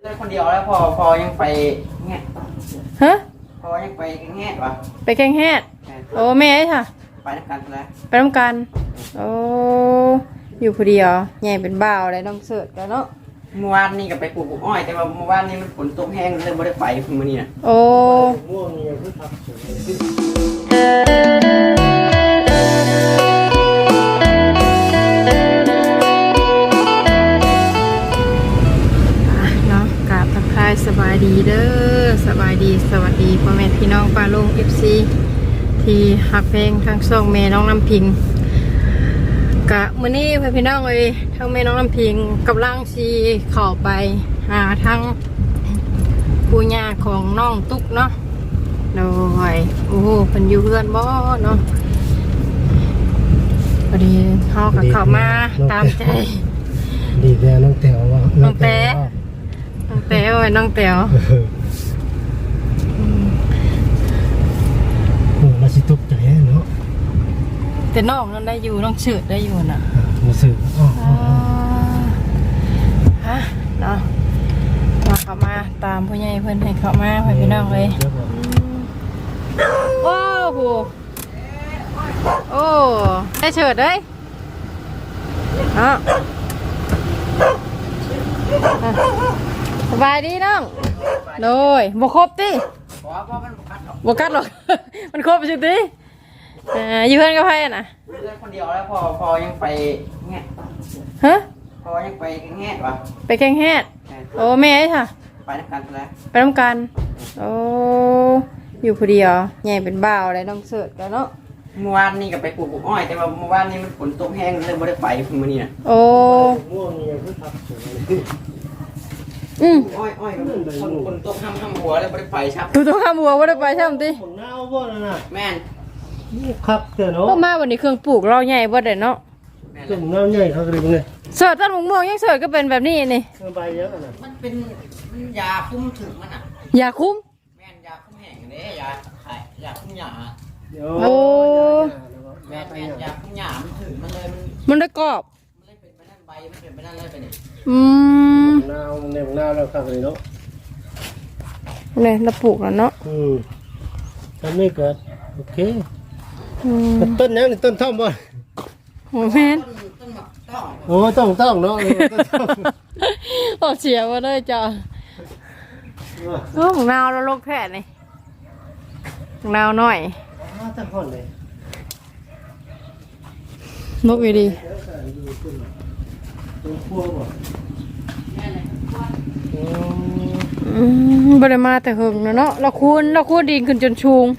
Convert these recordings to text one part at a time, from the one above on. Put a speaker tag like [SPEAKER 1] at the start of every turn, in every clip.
[SPEAKER 1] คนเดียวแล้วพอยังไปแง่
[SPEAKER 2] ฮะ
[SPEAKER 1] พอยังไปแง่วะ
[SPEAKER 2] ไปแข่งแฮดโอ้แม่ค่ะ
[SPEAKER 1] ไปนักการแล้ว
[SPEAKER 2] ไปน้ำกันโอ้อยู่คนเดียวใหญ่เป็นบ่าวอะไรต้องเสิร์ชกันเนาะ
[SPEAKER 1] เมื่อวานนี่ก็ไปปลูกอ้อยแต่ว่าเมื่อวานนี่มันฝนตกแห้งเลยไม่ได้ไปเพิ่งมานี่นะ
[SPEAKER 2] โอ้
[SPEAKER 3] ม่วงนี่คือผักสวย
[SPEAKER 2] เนาะกราบทักทายสบายดีเด้อสบายดีสวัสดีพ่อแม่พี่น้องป้าลุง FC ที่หักเพลงทั้งสองแม่น้องน้ำพิงกะมื้อนี้พี่น้องเอ้ยทั้งแม่น้องน้ำพิงกับล่างซีเข้าไปหาทั้งปู่ย่าของน้องตุ๊กเนาะโดยโอ้โหเพิ่นอยู่เพื่อนบ่เนาะพอดีเฮาก็เข้ามาตามใจ
[SPEAKER 3] ดีแน่น้องแต๋วว่า
[SPEAKER 2] น้องแต๋น้องแต๋วไอ้น้องแต๋ว
[SPEAKER 3] โอ้มาสิตกใจเนาะ
[SPEAKER 2] แต่น้องนั่นได้อยู่น้องเฉิดได้อยู่น่ะ
[SPEAKER 3] มาสื่อ
[SPEAKER 2] ฮะเนาะมาเข้ามาตามผู้ใหญ่เพิ่นให้เข้ามาให้พี่น้องเลยโอ้โหโอ้ได้เฉิดเด้ยเนาะสบายดีน้องโดยบ่ครบติบ่กัดหรอกมันครบสิติอยู่เพื่อนกับใครน่ะ
[SPEAKER 1] คนเดียวแล้วพอยังไปแง่
[SPEAKER 2] ฮะ
[SPEAKER 1] พอยังไปแง่วะ
[SPEAKER 2] ไปแข่งแฮดโอ้แม่ค่ะ
[SPEAKER 1] ไปนักการแล้ว
[SPEAKER 2] ไปน้ำกันโอ้อยู่คนเดียวใหญ่เป็นบ่าวอะไรต้องเสิร์ชกันเนาะ
[SPEAKER 1] เมื่อวานนี่ก็ไปปลูกอ้อยแต่ว่าเมื่อวานนี่มันฝนตกแห้งเลยไม่ได้ไปเพิ่งมานี่นะ
[SPEAKER 2] โอ้
[SPEAKER 3] ม่วงนี่คือผักสวย
[SPEAKER 1] อ้อยฝนตกห้ำหัวเลยไม่ได้ไปครับ
[SPEAKER 2] ถูกต้องข้ามหัวว่าได้ไปใช่ไหมตี
[SPEAKER 3] ของหน้าบ่นั่นน่ะ
[SPEAKER 1] แม่น
[SPEAKER 3] นี่ครับเด้อเนาะ
[SPEAKER 2] ก็มาวันนี้เครื่องปลูกเราใหญ่บ่ได้เนาะ
[SPEAKER 3] เครื่องหน้าใหญ่เขาเลยเป็นไง
[SPEAKER 2] เสิร์ชต้นม่วงยังเสิร์ชก็เป็นแบบนี้นี่
[SPEAKER 3] ใบเยอะน่ะ
[SPEAKER 1] มันเป็นยาคุ้มถึงมันอ่ะ
[SPEAKER 2] ยาคุ้ม
[SPEAKER 1] แม่นยาคุ้มแห้งเด้ยาขายยาคุ้มหยา
[SPEAKER 2] โอ้
[SPEAKER 1] แม่ยาคุ้มหยามันถึงมันเลย
[SPEAKER 2] มันได้กรอบ
[SPEAKER 1] มันเลยเป็นไปนั่นใบมันเป็นไปนั่นเลยไปนี่
[SPEAKER 3] หน้าในหน้าเราครับเลยเนาะ
[SPEAKER 2] เนี่ยเราปลูกแล้วเนาะ
[SPEAKER 3] ตอนนี้ก็โอเคต้นนี้ต้นท่อมบ่
[SPEAKER 2] โอ้แม่น
[SPEAKER 3] โอ้ต้องเนาะ
[SPEAKER 2] โอ้เสียมาเลยจ้ะโอ้ของเราเราลกแค่นี่ของเราหน่อย
[SPEAKER 3] ตั้งห้องเลย
[SPEAKER 2] นกอยู่ดีบริมาแต่หึงเนาะเราคูนดินขึ้นจนชูง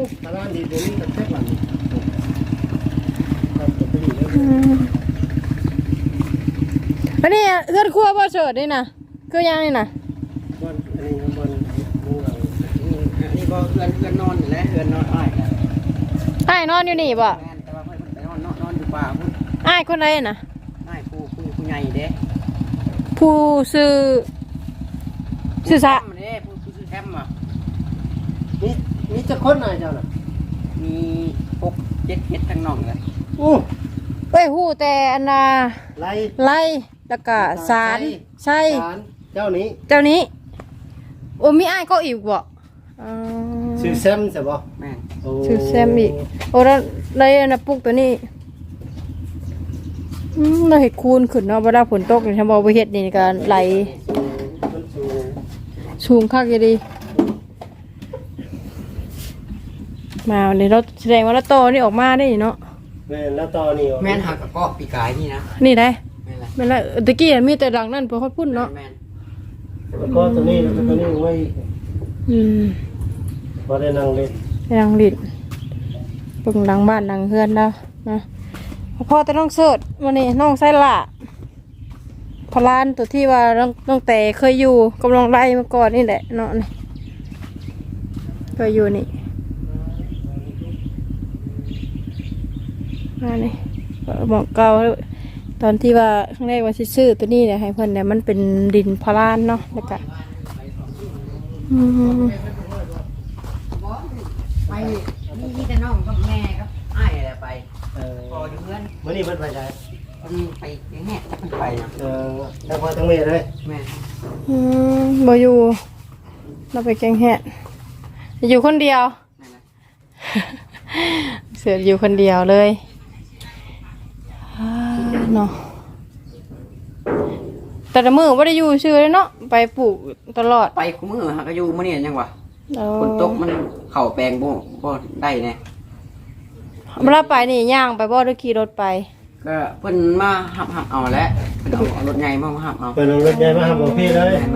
[SPEAKER 2] อันนี้เลือดคั่วบ่เฉิดนี่นะก็ยังนี่นะ
[SPEAKER 1] นี่ก็เพื่อนนอนอยู่แล้วเพื่อนนอน
[SPEAKER 2] อ้ายนอนอยู่นี่บ่
[SPEAKER 1] แต่ว่าเพื่อนไปนอนอยู่ป่าพุ่น
[SPEAKER 2] อ้ายคนไหนน่ะ
[SPEAKER 1] อ้ายผู้ใหญ่เด้
[SPEAKER 2] ผู้ซื้อซะ
[SPEAKER 1] เด้ผู้ซื้อแคมป์อ่ะ
[SPEAKER 3] มีจะคนไหนเจ้าน่ะ
[SPEAKER 1] มี6-7 เฮ็ดทั้งน้องเลย
[SPEAKER 2] เอ้ยฮู้แต่อันน่ะไล่แล้วก็สารใช่
[SPEAKER 3] เจ้า
[SPEAKER 2] นี้โอ้มีอ้ายก็อีกบ่
[SPEAKER 3] ชื่อแซมใช่ป่ะ
[SPEAKER 1] แม่
[SPEAKER 2] ชื่อแซมอีกโอ้แล้วเลยนะปลูกตัวนี้เราเห็ดคูนขึ้นเนาะเวลาฝนตกเนี่ยฉันบอกว่าเห็ดนี่ก็ไหลสูงคักดีมาเนี่ยเราแสดงว่าเราโตนี่ออกมาได้เนาะ
[SPEAKER 3] แม่แล้วตอนี่
[SPEAKER 1] แม่นหักก็ปีกายนี่นะ
[SPEAKER 2] นี่ได้แม่นละตะกี้มีแต่ดังนั่นพอเขาพุ่นเนาะ
[SPEAKER 3] แล้วก็ตัวนี้ไว้พอได้นั่งเล่น
[SPEAKER 2] นั่งเล่นปึงดังบ้านดังเฮือนแล้วนะพ่อแต่น้องเสิร์ชวันนี้น้องไซล่าพลานตัวที่ว่าน้องแต่เคยอยู่กำลังไล่มาก่อนนี่แหละเนาะนี่เคยอยู่นี่นี่บอกเก่าตอนที่ว่าข้างในว่าซื้อตัวนี้เนี่ยให้เพิ่นเนี่ยมันเป็นดินพลานเนาะแล้วก็
[SPEAKER 1] ไปนี่แต่น้องกับแม่ครับอ้ายอะไรไปพออยู่เพื่อน
[SPEAKER 3] เมื่อนี้เพิ่นไปไหน
[SPEAKER 1] มันไปแง่จะไปนะ
[SPEAKER 3] ทั้งพ่อทั้งแม่เลย
[SPEAKER 1] แม่
[SPEAKER 2] บ่อยู่เราไปแกงแหะอยู่คนเดียว เสืออยู่คนเดียวเลยเนาะแต่ละมือไม่ได้อยู่ชื่อเลยเนาะไปปลูกตลอด
[SPEAKER 1] ไปกูมือหากอยู่มื้อนี้ยังวะ
[SPEAKER 2] เออ
[SPEAKER 1] ฝนตกมันเข่าแปลงบ่ได้แน่
[SPEAKER 2] เวลาไปนี่ย่างไปบ่หรือขี่รถไป
[SPEAKER 1] ก็เพิ่นมาหับเอาแล้วเพิ่นเอารถใหญ่มาหับเอา
[SPEAKER 3] เป็นรถใหญ่มาหาบอกพี่เลย
[SPEAKER 1] แม่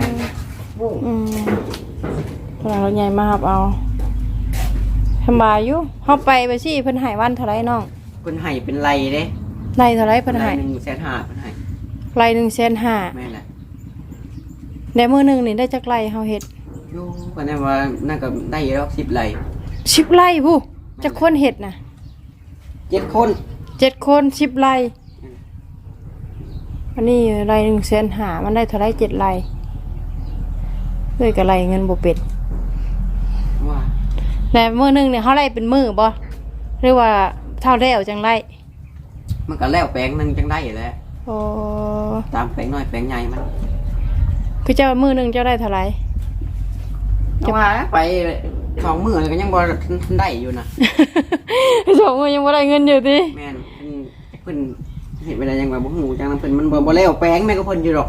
[SPEAKER 2] พลังรถใหญ่มาครับเอาสบายอยู่เฮาไปสิเพิ่นให้วันเท่าไรน้อง
[SPEAKER 1] เพิ่นให้เป็นไรเด้
[SPEAKER 2] ไล่เท่าไรเพิ่นให้
[SPEAKER 1] 150,000เพิ่นให้
[SPEAKER 2] ไล่150,000
[SPEAKER 1] แม่แหละ
[SPEAKER 2] ในมื้อหนึงนี่ได้จักไล่เฮาเฮ็ด
[SPEAKER 1] อยู่ก็แน่ว่านั่นก็ได้แล้ว10ไร่
[SPEAKER 2] 10ไร่ผู้จักคนเฮ็ดน่ะ
[SPEAKER 1] 7คน
[SPEAKER 2] 7คน10ไร่อันนี้ไล่150,000มันได้เท่าไร7ไร่เลยก็ไล่เงินบ่เป็น
[SPEAKER 1] ว่า
[SPEAKER 2] แต่มื้อหนึงเนี่ยเฮาไล่เป็นมื้อบ่หรือว่าเท่าแล้วจังไล่
[SPEAKER 1] มันก็แล้วแปลงนึงจังได้แหล้ว
[SPEAKER 2] โอ้
[SPEAKER 1] ตามแปลงน้อยแปลงใหญ่มัน
[SPEAKER 2] คือเจ้ามื้อหนึงเจ้าได้เท่าไหร่
[SPEAKER 1] จะว่าไป2มื้อก็ยังบ่ได้อยู่นะ
[SPEAKER 2] สองมื้อยังบ่ได้เงินอยู่ติ
[SPEAKER 1] แม่นเพิ่นเห็นเวลายังว่าบ่ฮู้จังนั้นเพิ่นมันบ่แล้วแปลงแม่ก็เพิ่นอยู่ดอก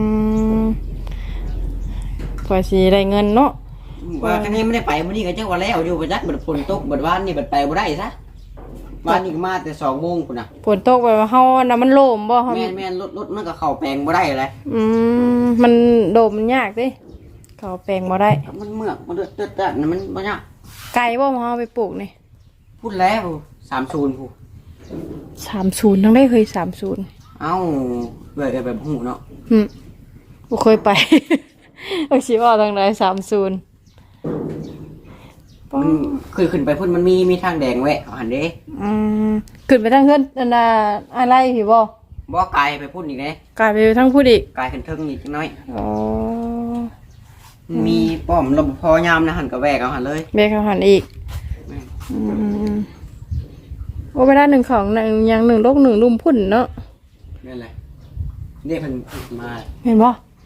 [SPEAKER 2] กว่าสิได้เงินเนาะ
[SPEAKER 1] ว่าคันนี้ไม่ได้ไปมื้อนี้ก็จังว่าแล้วอยู่บ่จักบัดฝนตกบัดวานนี่บัดไปบ่ได้ซะวานนี่ก็มาแต่2 โมงพุ่นน่ะ
[SPEAKER 2] ฝนตกไปว่าเฮาน่ะมันโล่มบ่เฮา
[SPEAKER 1] แม่นรถมันก็เข้าแปลงบ่ได้เลย
[SPEAKER 2] มันโดมมันยากติเขาแปลงบ่ได้
[SPEAKER 1] มันเมือกมันเดือดๆนั่นมันบ่ยาก
[SPEAKER 2] ไก่บ่เฮาไปปลูกนี่
[SPEAKER 1] พูดแล้ว30พู
[SPEAKER 2] 30ทั้งได้เคย30
[SPEAKER 1] เอ้าเว้ยแบบฮู้เนาะ
[SPEAKER 2] บ่เคยไป เอาสิว่าทางใด30
[SPEAKER 1] มันคือขึ้นไปพุ่นมันมีทางแดงแวะเอาหั่นเด้
[SPEAKER 2] ขึ้นไปทางเฮือนอันน่ะอะไรพี่บ่
[SPEAKER 1] บ่ไกลไปพุ่นอีกเด้
[SPEAKER 2] กลายไปทางผู้อีก
[SPEAKER 1] ไกลขึ้นเทิงอีกจักหน่อย
[SPEAKER 2] อ๋อ
[SPEAKER 1] มีป้อมรปภยามนะหั่นก็แวกเอาหั่นเลย
[SPEAKER 2] เบรกเขาหันอีกโอ้เวลาหนึ่งของหนึ่งอย่างหนึ่งโลกหนึ่งลุ่มพุ่นเนาะ
[SPEAKER 1] นั่นแหละนี่เพิ่นมา
[SPEAKER 2] เห็นบ่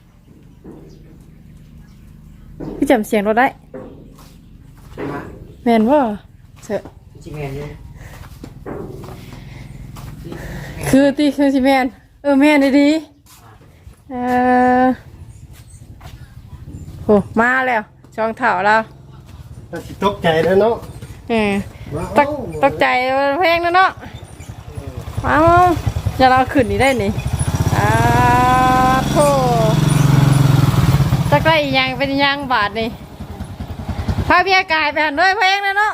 [SPEAKER 2] พี่จำเสียงเราได้
[SPEAKER 1] มา
[SPEAKER 2] แม่นบ่เสอะ
[SPEAKER 1] สิแม่นอยู่
[SPEAKER 2] คือตีคือสิแม่นแม่นดีโอ้มาแล้วช่องเถ่าแล้ว
[SPEAKER 3] ตกใจแล้วเนาะ
[SPEAKER 2] ตกใจเพลงแล้วเนาะเอาจะเราขึ้นนี่ได้นี่โธ่จะใกล้ยังเป็นยังบาทนี่พาพี่กายไปหันด้วยเพลงแล้วเนาะ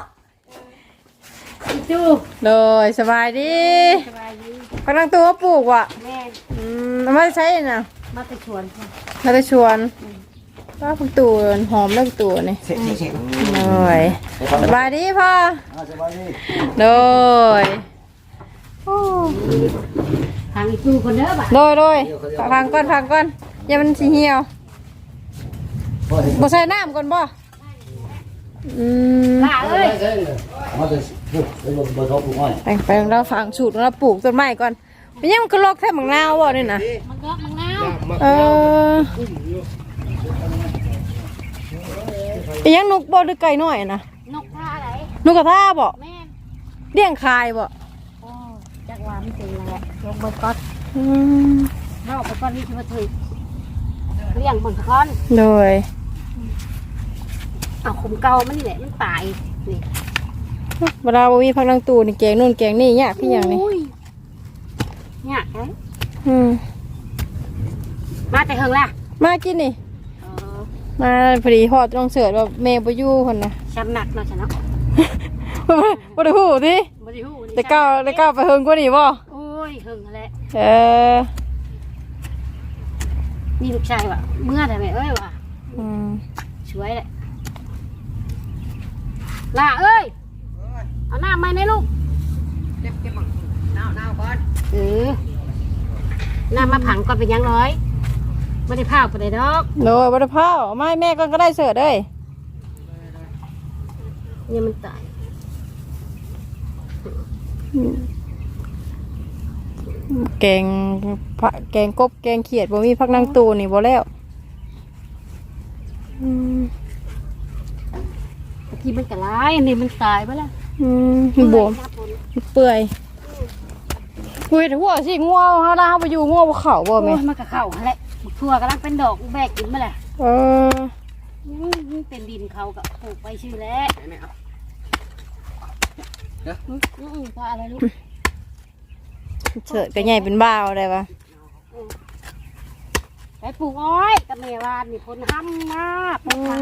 [SPEAKER 2] จูโดยสบายดีกำลังตัวปลูกว่ะแม่ไม่ใช่น่ะมาไปชวนว่าพวกตัวหอมเลิกตัวนี่
[SPEAKER 1] เสร็จ
[SPEAKER 2] โดยสบายดีพ่อสบายดีโดย
[SPEAKER 4] ทางอีกตู้คนเด้อบ่ะ
[SPEAKER 2] โดยฟังก่อนอย่ามันสิเหี่ยวบ่ใส่น้ำก่อนบ่
[SPEAKER 4] ล่าเอ้ย
[SPEAKER 2] แต่งไปเราฝังสูตรเราปลูกต้นไม้ก่อนเป็นยังมันก็ลอกแทบมังนาวบ่นี่นะ
[SPEAKER 4] มันก็มังนาว
[SPEAKER 2] เป็นยังนกบ่หรือไก่น้อยนะ
[SPEAKER 4] นกท่าไหน
[SPEAKER 2] นกกระทาบ่
[SPEAKER 4] แม่น
[SPEAKER 2] เลี้ยงคายบ่
[SPEAKER 4] โอ้จักว่ามันเป็นอะไรลงเบิดก้อนเข้าไปก้อนนี้ที่มาถึงเลี้ยงเบิดก้อน
[SPEAKER 2] โดย
[SPEAKER 4] เอาขุมเก่ามันนี่แหละมันตายนี่
[SPEAKER 2] เวลาบ่มีพักลังตูนี่แกงนู่นแกงนี่ยากพี่หยังนี่
[SPEAKER 4] เนี่ยไง
[SPEAKER 2] อืม
[SPEAKER 4] มาแต่เฮิงล่ะ
[SPEAKER 2] มากินนี่มาพอดีฮอดต้องเสิร์ชว่าแม่บ่อยู่พุ่นน่ะ
[SPEAKER 4] ช้ำหนักเนาะฉันเนาะ
[SPEAKER 2] บ่ได้ฮู้ติ
[SPEAKER 4] บ่ได้ฮู้
[SPEAKER 2] แต่ก้าวไปเฮิงกว่านี่บ่
[SPEAKER 4] โอ้ยเฮิงแหละ
[SPEAKER 2] อ
[SPEAKER 4] นี่ลูกชายว่ะเมื่อแต่แม่เอ้ยว่ะ
[SPEAKER 2] อืม
[SPEAKER 4] ช่วยแหละล่าเอ้ยเอาน้ำมาในลูก
[SPEAKER 1] เก็บน้ำก่อน
[SPEAKER 4] น้ำมาผังก่อนเป็นยังร้อยไม่ได้พาวไปเลยดอก
[SPEAKER 2] โดยบ่ได้พาวเอามาให้แม่ก่อนก็ได้เสิร์ชเด้ย
[SPEAKER 4] เนี่ยมันตาย
[SPEAKER 2] แกงแกงกบแกงเขียดบ่มีผักนางตูนี่บ่แล้วอืม
[SPEAKER 4] บางทีมันก็ร้ายอันนี้มันตายไปแล้ว
[SPEAKER 2] บวมเปื่อยคุยแต่หัวสิงัวเฮาลาเฮาไปอยู่งัวบ่เข้าบ่แม่
[SPEAKER 4] มันก็เข้าหั่นแหละทั่วกำลังเป็นดอกแบกกินมาแหละ
[SPEAKER 2] เออ
[SPEAKER 4] เป็นดินเขาก็ปลูกไปชื่อแล้วพออะไรลูก
[SPEAKER 2] เฉิดก็ใหญ่เป็นบ้าวได้ปะ
[SPEAKER 4] ไปปลูกอ้อยกับเมวานนี่คนห้ำมากปลูกมา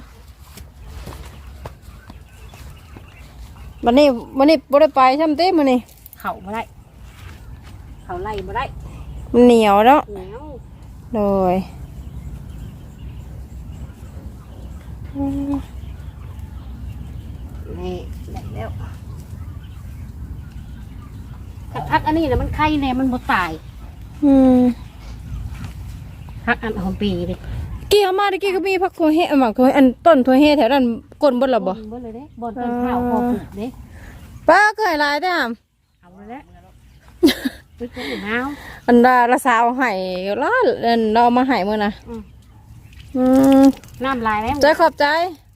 [SPEAKER 2] วันนี้บ่ได้ไปซ้ำเต้มื้อนี้
[SPEAKER 4] เขาบ่ได้เขาไล่บ่ได้
[SPEAKER 2] มันเหนียวเนาะ
[SPEAKER 4] เหนียว
[SPEAKER 2] โดยอืม
[SPEAKER 4] นี่ได้แล้วพักอันนี้นะมันไข่เนี่ยมันบ่ตาย
[SPEAKER 2] อืม
[SPEAKER 4] พักอันหอมปีเลย
[SPEAKER 2] กี้เอามาตะกี้ก็มีผักถั่วเฮหมักถั่วอันต้นถั่วเฮแถวนั้นก้นเบ่ล่ะบ่
[SPEAKER 4] บ่เลยเด้บ่ต้นข้าวพอปลูกเด้
[SPEAKER 2] ป้าก็ให้หลายเด้อ
[SPEAKER 4] เอาเลยเด้ไปปลูกมาว
[SPEAKER 2] อันดาละสาวให้ล้านอันเราเอามาให้มื้อน่ะอืม
[SPEAKER 4] น้ำลายแล้ว
[SPEAKER 2] ใจขอบใจ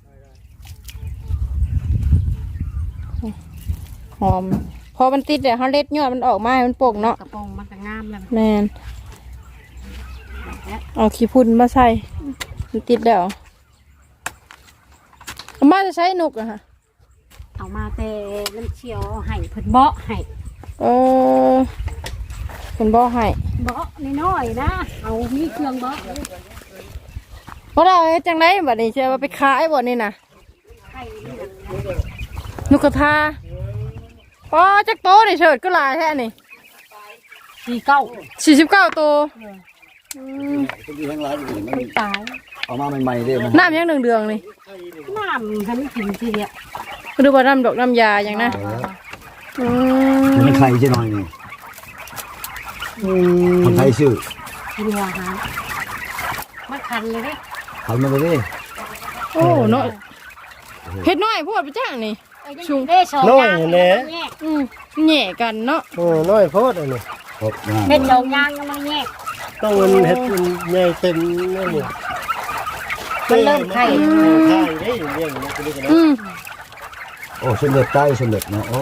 [SPEAKER 2] หอมพอมันติดเดี๋ยวเขาเล็ดยอดมันออกมาให้มันโป่งเนาะ
[SPEAKER 4] กระโปรงมันก็งามแล้ว
[SPEAKER 2] แมนเอาขี้พุ่นมาใส่มันติดแล้วเอามาจะใช้นกอะค่ะ
[SPEAKER 4] เอามาแต่น้ำเชียวให้เพิ่นเบาะให้
[SPEAKER 2] เออเป็นบ่อให้
[SPEAKER 4] เบาะน้อยๆนะเอามีเครื่องเบาะ
[SPEAKER 2] เพราะเราเฮ็ดจังไรบัดนี้เชื่อว่าไปขายบ่นี่นะ
[SPEAKER 4] ไข่นี่นะ
[SPEAKER 2] นกกระทาอ๋อจักโตนี่เฉิดก็หลายแท้นี่
[SPEAKER 4] 49
[SPEAKER 2] 49ตัว
[SPEAKER 1] ตัวที่ทั้งร้านอยู่มัน
[SPEAKER 4] มันตาย
[SPEAKER 1] เอามาใหม่ๆเด้มัน
[SPEAKER 2] น้ำยังเดืองๆนี่
[SPEAKER 4] น้ำให้มันกินทีเดียว
[SPEAKER 2] ก็ดูว่าน้ำดอกน้ำยาอย่างนะอืม
[SPEAKER 1] มันไข่จะหน่อยนี่คนไทยชื่อ
[SPEAKER 4] กินอาหารมันคันเลยเด้
[SPEAKER 1] ไข่มาเลย
[SPEAKER 2] โอ้เนาะเฮ็ดน้อยโพดไปจ้างนี่
[SPEAKER 4] ชุงเด้สอง
[SPEAKER 3] น้อย
[SPEAKER 4] ยาง
[SPEAKER 3] แหน่
[SPEAKER 2] แหน่กันเนาะ
[SPEAKER 3] โอ้น้อยโพดอันนี้
[SPEAKER 1] ครับนะ
[SPEAKER 4] เฮ็ดสองยางก็มันแยก
[SPEAKER 3] ต้องมันเฮ็ดมันใหญ่เต็มนั่นนี่
[SPEAKER 4] มันเริ่มไข่
[SPEAKER 3] ไข่ได้เรื่องนี้ก็ได้นะ
[SPEAKER 1] โอ้สำเร็จใต้สำเร็จนะโอ้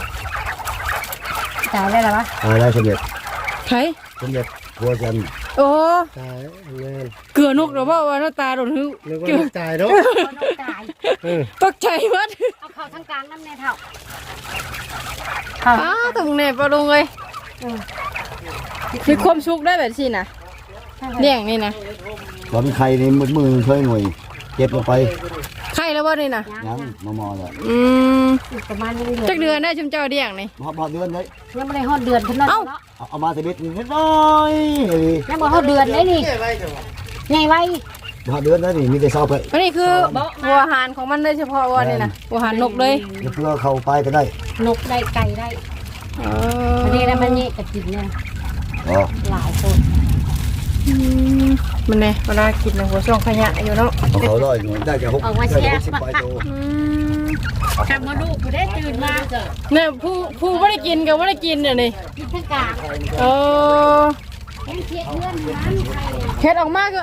[SPEAKER 4] ตายได้หรอวะ
[SPEAKER 1] อะไรสำเร็จ
[SPEAKER 2] ไข่
[SPEAKER 1] สำเร็จหัวจัน
[SPEAKER 2] โอ้
[SPEAKER 3] ตายเงิน
[SPEAKER 2] เกลือนกหรือเปล่าว่าหน้าตาโดนหึ
[SPEAKER 3] นึกว่า
[SPEAKER 2] เกลือ
[SPEAKER 3] ตายเนาะ
[SPEAKER 4] ตาย
[SPEAKER 2] ตกใจมัด
[SPEAKER 4] เอาเข้าทั้งกลางน้ำในเท่าเข้า
[SPEAKER 2] อ้าวตรงไหนปลาลุงเลยมีความสุขได้แบบนี้นะเลี้ยงนี่นะ
[SPEAKER 1] ตอนไข่นี่มือช่วยหน่วยเก็บลงไป
[SPEAKER 2] ไข่แล้วว่านี่นะ
[SPEAKER 1] ยังมอเลย
[SPEAKER 4] ประมาณนี้
[SPEAKER 2] จักเดือนได้ชุมเจ้าเลี้ยงนี่
[SPEAKER 1] พอเดือนเลย
[SPEAKER 4] ยังไม่ได้ฮอดเดือนเพิ่นเนาะ
[SPEAKER 1] เอามาสบิดนิดหน่อย
[SPEAKER 4] ยังบ่ฮอดเดือนเลยนี่ใหญ่ไว้
[SPEAKER 1] พอเดือนแล้วนี่มีแต่ซอไป
[SPEAKER 2] อันนี้คือหัวอาหารของมันเลยเฉพาะวันนี่นะหัวอาหารนกเลย
[SPEAKER 1] เพื่อเข้าไปก็ได้
[SPEAKER 4] นกได้ไก่ได้อันนี้แล้วมันนี่ก็กินเนี่ย
[SPEAKER 1] อ๋อ
[SPEAKER 4] หลายคน
[SPEAKER 2] มันไงเวลากินในหัวช่องขยะอยู่เนาะ
[SPEAKER 1] เอาเขาได้หน่วยได้แค่60 ใบโต
[SPEAKER 4] ทำมาลูกกูได้ตื่นมา
[SPEAKER 2] เนี่ยผู้ไม่ได้กินกับไม่ได้กินเนี่ยนี่
[SPEAKER 4] กินทั้งกลาง
[SPEAKER 2] เออ
[SPEAKER 4] เห็นเทียเพื่อนร้านไข่
[SPEAKER 2] เฮ็ดออกมาก็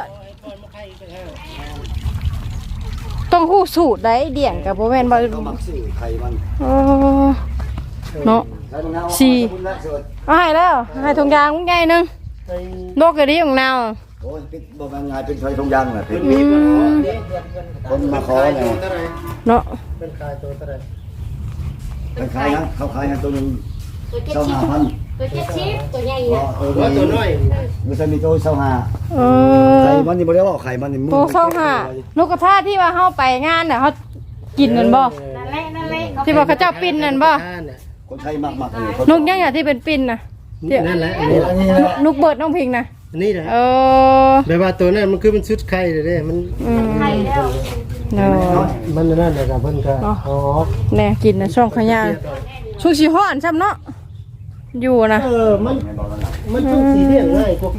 [SPEAKER 2] ต้องหู้สูตรได้เดี่ยงกับโบแมนบ่
[SPEAKER 1] เขามักซื้อไข่มัน
[SPEAKER 2] เนาะเอาให้แล้วให้ทงยางมึงไงนึงโลกกระดิ่งของนาว
[SPEAKER 1] โอ้ยปิดบ่มันง่ายเป็นไฟทองยางน่ะเป็นคนมาขอเนี่ย
[SPEAKER 2] เนาะ
[SPEAKER 3] เป็นขายตัวเท่าไหร่
[SPEAKER 1] มันขายนะเขาขายให้ตัวนึง
[SPEAKER 4] ตัวเจ็ด
[SPEAKER 1] เจ้า
[SPEAKER 4] ชิ
[SPEAKER 1] หา
[SPEAKER 4] ป
[SPEAKER 1] พัน
[SPEAKER 4] ตัวเจ็ดชิปตัวใหญ่
[SPEAKER 1] อ๋อ
[SPEAKER 4] เนี่ย
[SPEAKER 3] ตัวน้อย
[SPEAKER 1] มันจะมีตัวเจ้าหา
[SPEAKER 2] เอ
[SPEAKER 1] ไข่
[SPEAKER 2] อ
[SPEAKER 1] มันนี่บ่ได้ว่าไข่มันนี่
[SPEAKER 2] โตเข้าหาลูกกระทาที่ว่าเฮาไปงานน่ะเฮากินนั่นบ่
[SPEAKER 4] นั่นแหละนั่นแหละ
[SPEAKER 2] ที่ว่าเขาเจ้าปิ้นนั่นบ่
[SPEAKER 1] คนไทยมากๆเลย
[SPEAKER 2] นกยังอย่างที่เป็นปิ้นน่ะ
[SPEAKER 3] นั่นแหละอันนี้
[SPEAKER 2] นกเบิดน้องพิงน่ะ
[SPEAKER 3] อันนี้แหละ
[SPEAKER 2] เออ
[SPEAKER 3] แบบว่าตัวนั้นมันคือมันชุดไข่เลยเด้มัน
[SPEAKER 4] ไข่แล้ว
[SPEAKER 2] เนาะ
[SPEAKER 3] มันนั่นแหละครับเพิ่นก็อ๋อ
[SPEAKER 2] แน่กินน่ะช่องขยะช่วงสิฮ้อนซ้ำเนาะอยู่นะ
[SPEAKER 3] มันช่วงสีเรียงง่ายกว่าไก่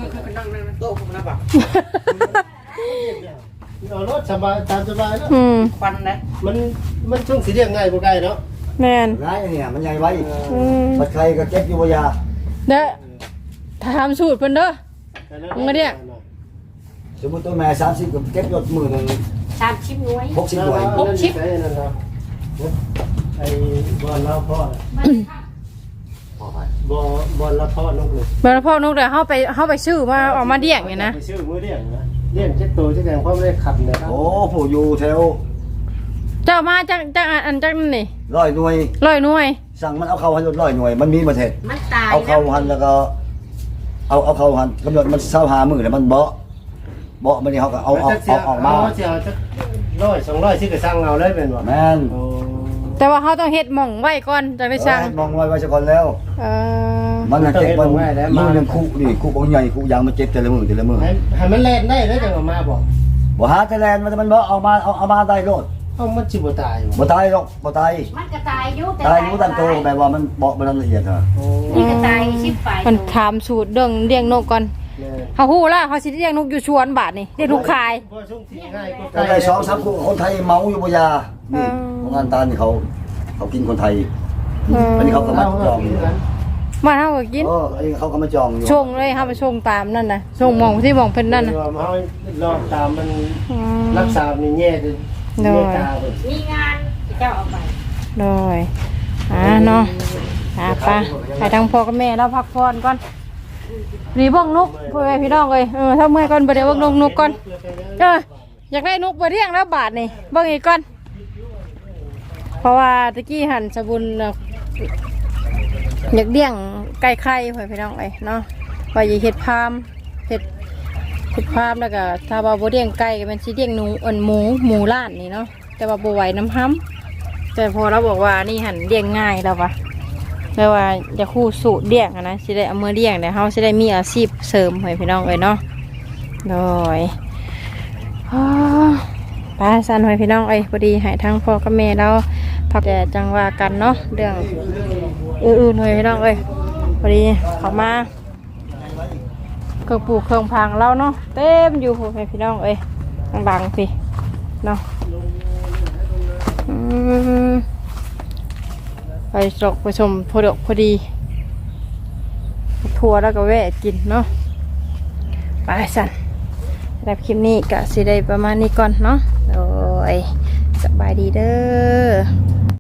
[SPEAKER 3] เอารถสบายตามสบายเนาะ
[SPEAKER 1] ฟันนะ
[SPEAKER 3] มันช่วงสีเรียงง่ายกว่าไก่เนาะ
[SPEAKER 2] แม่น
[SPEAKER 1] ร้ายเนี่ยมันใหญ่ไว้
[SPEAKER 2] อืม
[SPEAKER 1] ปัดไข่ก็เก็บอยู่บ่ยา
[SPEAKER 2] เด้อถามสูตรเพิ่นเด้อ มึงมาเนี่ย
[SPEAKER 5] สมมุติตัวแม่30ก็เก็บรถมือหนึง
[SPEAKER 4] 30หน่วย
[SPEAKER 5] 60หน่วย
[SPEAKER 3] ไอ้บอลละพ่อ
[SPEAKER 5] พอไป
[SPEAKER 3] บอลละพ่อนกเลย
[SPEAKER 2] บ่แล้วพ่อนกเด้อเฮาไปซื้อมาเอามาเลี้ยงนี่นะ
[SPEAKER 3] ไปซื้อมือเลี้ยงนะเลี้ยงเจ็ดตัวเจ็ดแดงพ่อไม่ได้ขับเนี่ยครับ
[SPEAKER 5] โอ้ผู้อยู่แถว
[SPEAKER 2] เจ้ามาจากอันจากนั่นนี่
[SPEAKER 5] 100หน่วย
[SPEAKER 2] 100หน่วย
[SPEAKER 5] สั่งมันเอาเข้าหันรถ100หน่วยมันมีประเทศ
[SPEAKER 4] มันตาย
[SPEAKER 5] เอาเข้าหันแล้วก็เอาเข้าหันกำหนดมัน25มื้อแล้วมันเบาะมันนี่เขาก็เอาออกมา
[SPEAKER 3] เสียจะ100 200ที่ก็สั่งเอาเลยเป็นบ่
[SPEAKER 5] แม่น
[SPEAKER 3] โอ้
[SPEAKER 2] แต่ว่าเฮาต้องเฮ็ดหม่องไว้ก่อนจังได้สั่ง
[SPEAKER 5] มองไว้ซะก่อนแล้ว
[SPEAKER 2] เออ
[SPEAKER 5] มันน่ะเจ็บมันมือนึงคุนี่คุบ่ใหญ่คุยางมันเจ็บแต่ละมื้อ
[SPEAKER 3] ให้มันแล่นได้แล้วจังเอามาบอก
[SPEAKER 5] บ่หาแต่แลนมันบ่เอามาได้โลด
[SPEAKER 3] เอามันสิบ่ตาย
[SPEAKER 5] บ่ตายหรอกบ่ตาย
[SPEAKER 4] มันก็ตายอยู่แต่
[SPEAKER 5] ตายอยู่ตามโตแบบว่ามันเบาะมันละเอียดฮะ
[SPEAKER 3] โอ้
[SPEAKER 4] นี่ก็ตายชิบไป
[SPEAKER 2] มันถามสูตรเรื่องเลี้ยงนกก่อน
[SPEAKER 3] แม่
[SPEAKER 2] เฮาฮู้แล้วเฮาสิเลี้ยงนกอยู่สวนบาดนี่เลี้ยงนกคาย
[SPEAKER 3] บ่ช่วงที่ง่ายก็
[SPEAKER 5] ก็ได้2-3คนไทยเมาอยู่บ่ยานี่ของงานตานี่เขากินคนไทยอันนี้เขาก็มาจองอยู่
[SPEAKER 2] มาเฮาก็กิน
[SPEAKER 5] อันนี้เขาก็มาจองอยู่
[SPEAKER 2] ชงเลยเฮาไปชงตามนั่นน่ะชงหม่องที่หม่องเพิ่นนั่นน่ะ
[SPEAKER 3] เฮาลองตามมัน
[SPEAKER 2] อืม
[SPEAKER 3] รักษานี่แย่ดิแย่ตาเพิ่น
[SPEAKER 4] มีงานเจ้าเอาไป
[SPEAKER 2] โดยเนาะไปไปทางพ่อกับแม่แล้วพักผ่อนก่อนนี่เบิ่งนกพ่อแม่พี่น้องเอ้ยถ้าเมื่อยก่อนบ่ได้เบิ่งนกก่อนอยากได้นกบ่เลี้ยงแล้วบาทนี่เบิ่งอีกก่อนเพราะว่าตะกี้หันสบุญอยากเลี้ยงไก่ไข่พ่อพี่น้องเอ้ยเนาะว่าอย่าเฮ็ดพามเฮ็ดพามแล้วก็ถ้าว่าบ่เลี้ยงไก่ก็มันสิเลี้ยงหมูล้านนี่เนาะแต่ว่าบ่ไหวน้ำห้ำแต่พอเราบอกว่านี่หันเลี้ยงง่ายแล้ววะแปลว่าจะคู่สูตรเลี้ยงนะสิได้เอามือเลี้ยงเนี่ยเขาสิได้มีอาชีพเสริมให้พี่น้องเลยเนาะโดยป้าสันให้พี่น้องเอ้ยพอดีให้ทั้งพ่อกับแม่เราพักแต่จังว่ากันเนาะเรื่องอื่นๆให้พี่น้องเอ้ยพอดีเขามาเครื่องปลูกเครื่องพังเราเนาะเต็มอยู่ให้พี่น้องเอ้ยดังๆสิเนาะไปจกไปชมพอดกพอดีทัวร์แล้วก็แวะกินเนาะไปสั่นแบบคลิปนี้ก็สิได้ประมาณนี้ก่อนเนาะโดยสบายดีเด้อ